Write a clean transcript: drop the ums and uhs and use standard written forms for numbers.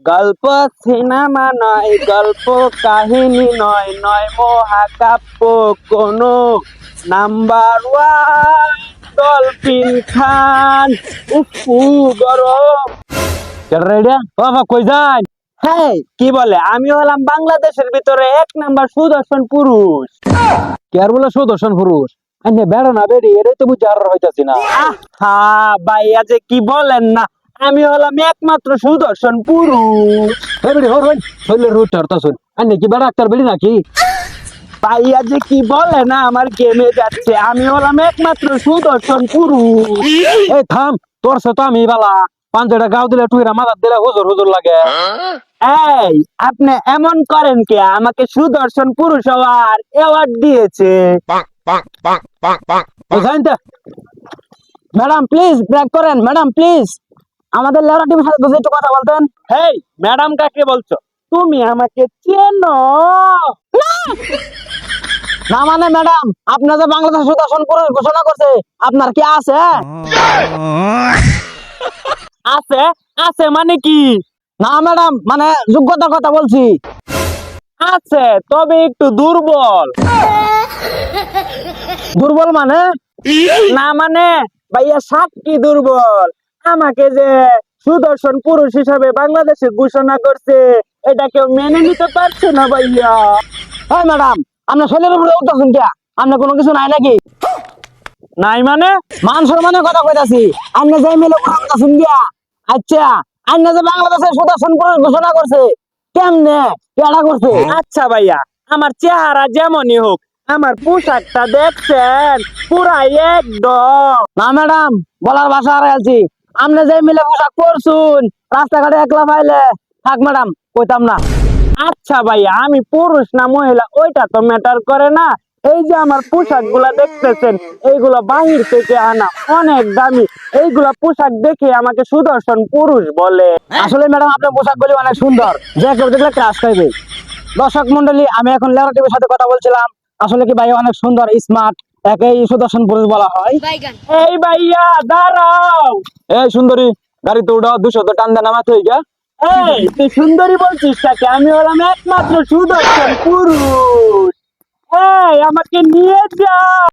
গল্প সিনেমা নয়, গল্প কাহিনী নয়, নয় মহাকাব্য কোনো। Number one dolphin Khan. উফু গরম। রেডিয়া বাবা কই যান? হ্যাঁ, কি বলে? আমি হলাম বাংলাদেশের ভিতরে 1 নাম্বার সুদর্শন পুরুষ। কে আর বলে সুদর্শন পুরুষ? আনে বেড়া না বেড়ি এটাই তো বুঝে আর হইতাছি না। আহা ভাইয়া যে কি বলেন না, আমি হলাম একমাত্র সুদর্শন পুরুষ। এই বেড়ি হর হই হইলে রুট ধরতাছুন। আনে কি বেড়া ডাক্তার বেড়ি নাকি? ভাইয়া যে কি বলে না, আমার গেমে যাচ্ছে। আমি হলাম একমাত্র সুদর্শন পুরুষ। এই থাম, তোর সাথে আমি বালা পাঞ্জাটা গাও দিলে টুইরা মাথার দিলে হুজুর হুজুর লাগে। এই আপনি এমন করেন কে? আমাকে সুদর্শন পুরুষ হওয়ার অ্যাওয়ার্ড দিয়েছে। ম্যাডাম প্লিজ ব্রেক করেন। ম্যাডাম প্লিজ আমাদের লেবার টিমের সাথে একটু কথা বলতেন। হেই ম্যাডাম কাকে বলছো? তুমি আমাকে চেনো? না মানে ম্যাডাম, আপনার যে বাংলাদেশ সুদর্শন পুরুষ ঘোষণা করছে, আপনার কি আছে? আছে? আছে মানে কি? না ম্যাডাম, মানে যোগ্যতার কথা বলছি। আছে, তবে একটু দুর্বল। দুর্বল মানে? না মানে ভাইয়া সাক্ষী দুর্বল। আমাকে যে সুদর্শন পুরুষ হিসাবে বাংলাদেশে ঘোষণা করছে, এটা কেউ মেনে নিতে পারছে না ভাইয়া। হ্যাঁ ম্যাডাম, আপনার শরীরের উপরে উঠতেছেন কে? আপনার কোনো কিছু নাই নাকি? নাই মানে? মান সম্মানের কথা কইতাছি। আপনি যে মিলে উঠতেছেন গিয়া। আচ্ছা, আপনি যে বাংলাদেশের সুদর্শন পুরুষ ঘোষণা করছে, কেমনে কেডা করছে? আচ্ছা ভাইয়া, আমার চেহারা যেমনই হোক, আমার পোশাকটা দেখছেন পুরাই একদম। না ম্যাডাম, বলার ভাষা হারাইছি। আপনি যে মিলে পোশাক পরছুন, রাস্তাঘাটে একলা পাইলে থাক ম্যাডাম, কইতাম না। আচ্ছা ভাইয়া, আমি পুরুষ না মহিলা ওইটা তো ম্যাটার করে না। এই যে আমার পোশাক গুলা দেখতেছেন, এইগুলো বাহির থেকে আনা, অনেক দামি। এইগুলা পোশাক দেখে আমাকে সুদর্শন পুরুষ বলে। আসলে ম্যাডাম, আপনার পোশাকগুলি অনেক সুন্দর, যে কেউ দেখলে ক্রাশ খাইবে। দর্শক মন্ডলী, আমি এখন লেবার টিভির সাথে কথা বলছিলাম। আসলে কি ভাই অনেক সুন্দর, স্মার্ট, একেই সুদর্শন পুরুষ বলা হয়। এই ভাইয়া দাঁড়াও। এই সুন্দরী, গাড়িতে উঠো, 200 তো টান দেন আমার থেকে। এই তুই সুন্দরী বলছিস তাকে? আমি হলাম একমাত্র সুদর্শন পুরুষ। এই আমাকে নিয়ে যা।